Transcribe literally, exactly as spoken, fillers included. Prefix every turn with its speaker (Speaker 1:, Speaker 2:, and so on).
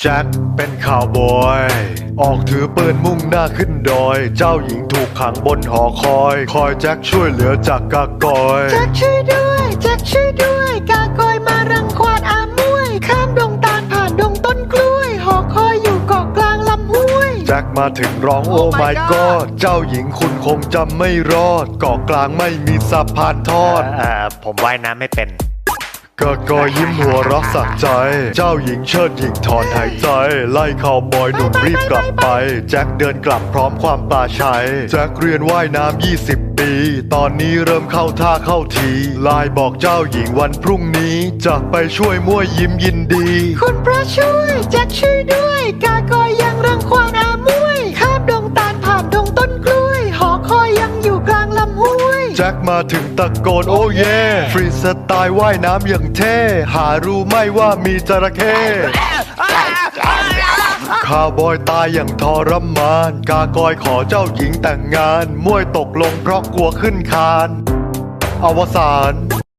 Speaker 1: แจ็คเป็นข่าวบอยออกถือปืนมุ่งหน้าขึ้นดอยเจ้าหญิงถูกขังบนหอคอยคอยแจ็คช่วยเหลือจากกากอย
Speaker 2: แจ็คช่วยด้วยแจ็คช่วยด้วยกากอยมารังควานอามวยข้ามดงตาลผ่านดงต้นกล้วยหอคอยอยู่เกาะกลางลำห้วย
Speaker 1: แจ็คมาถึงร้องโอ้ my god เจ้าหญิงคุณคงจำไม่รอดเกาะกลางไม่มีสะพานทอด
Speaker 3: เอ่อผมว่ายน้ำไม่เป็น
Speaker 1: กะกอยิ้มหัวเรักสักใจเจ้าหญิงเชิดหญิงถอนหายใจไล่ข่าวบอยหนุ่มรีบกลับไปแจ็คเดินกลับพร้อมความปลาชัยแจ็คเรียนว่ายน้ำยี่สิบปีตอนนี้เริ่มเข้าท่าเข้าทีไลน์บอกเจ้าหญิงวันพรุ่งนี้จะไปช่วยมั่วยิ้มยินดี
Speaker 2: คุณพระช่วยแจ็คช่วยด้วยกากอยยังรังควานอามวยข้ามดงตาลผ่านดงต้นกล้วยหอคอยยังอยู่กลางลำห้วย
Speaker 1: แจ็คมาถึงตะโกนโอ้เย่ฟรีสไตล์ว่ายน้ำอย่างเท่หารู้ไหม่ว่ามีจระเข้ข้าวบอยตายอย่างทรมานกากอยขอเจ้าหญิงแต่งงานมวยตกลงเพราะกลัวขึ้นคานอวสาน